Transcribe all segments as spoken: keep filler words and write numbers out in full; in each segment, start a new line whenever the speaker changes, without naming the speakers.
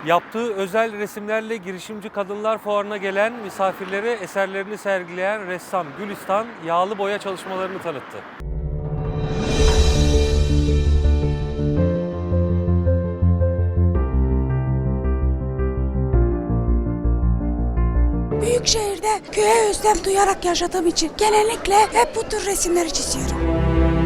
Yaptığı özel resimlerle girişimci kadınlar fuarına gelen misafirlere eserlerini sergileyen ressam Gülistan, yağlı boya çalışmalarını tanıttı.
Büyük şehirde köye özlem duyarak yaşadığım için genellikle hep bu tür resimleri çiziyorum.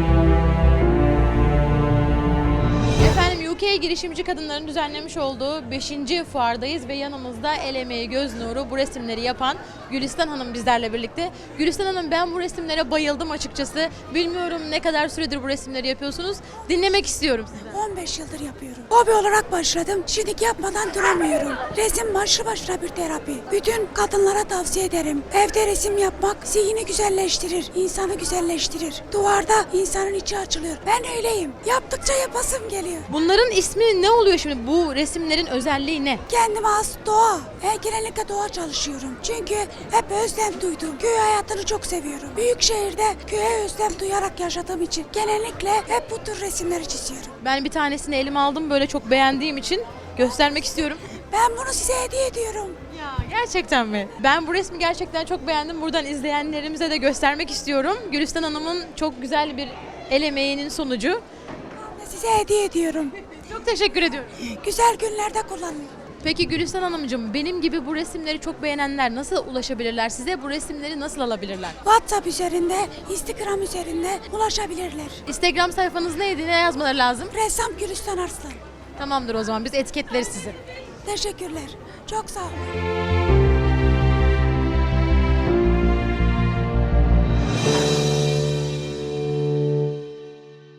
Efendim U K girişimci kadınların düzenlemiş olduğu beşinci fuardayız ve yanımızda el emeği göz nuru bu resimleri yapan Gülistan Hanım bizlerle birlikte. Gülistan Hanım, ben bu resimlere bayıldım açıkçası. Bilmiyorum ne kadar süredir bu resimleri yapıyorsunuz. Dinlemek istiyorum sizden.
on beş yıldır yapıyorum. Hobi olarak başladım. Şimdi yapmadan duramıyorum. Resim başlı başına bir terapi. Bütün kadınlara tavsiye ederim. Evde resim yapmak zihni güzelleştirir, insanı güzelleştirir. Duvarda insanın içi açılıyor. Ben öyleyim. Yaptıkça yapasım geliyor.
Bunların ismi ne oluyor şimdi? Bu resimlerin özelliği ne?
Kendime has doğa. Ben genellikle doğa çalışıyorum. Çünkü hep özlem duydum. Köy hayatını çok seviyorum. Büyük şehirde köye özlem duyarak yaşadığım için genellikle hep bu tür resimleri çiziyorum.
Ben bir tanesini elime aldım, böyle çok beğendiğim için göstermek istiyorum.
Ben bunu size hediye ediyorum.
Ya gerçekten mi? Ben bu resmi gerçekten çok beğendim. Buradan izleyenlerimize de göstermek istiyorum. Gülistan Hanım'ın çok güzel bir el emeğinin sonucu.
Ben size hediye ediyorum.
Çok teşekkür ediyorum.
Güzel günlerde kullanın.
Peki Gülistan Hanımcığım, benim gibi bu resimleri çok beğenenler nasıl ulaşabilirler? Size bu resimleri nasıl alabilirler?
WhatsApp üzerinde, Instagram üzerinde ulaşabilirler.
Instagram sayfanız neydi? Ne yazmaları lazım?
Ressam Gülistan Arslan.
Tamamdır, o zaman biz etiketleriz sizi.
Teşekkürler. Çok sağ olun.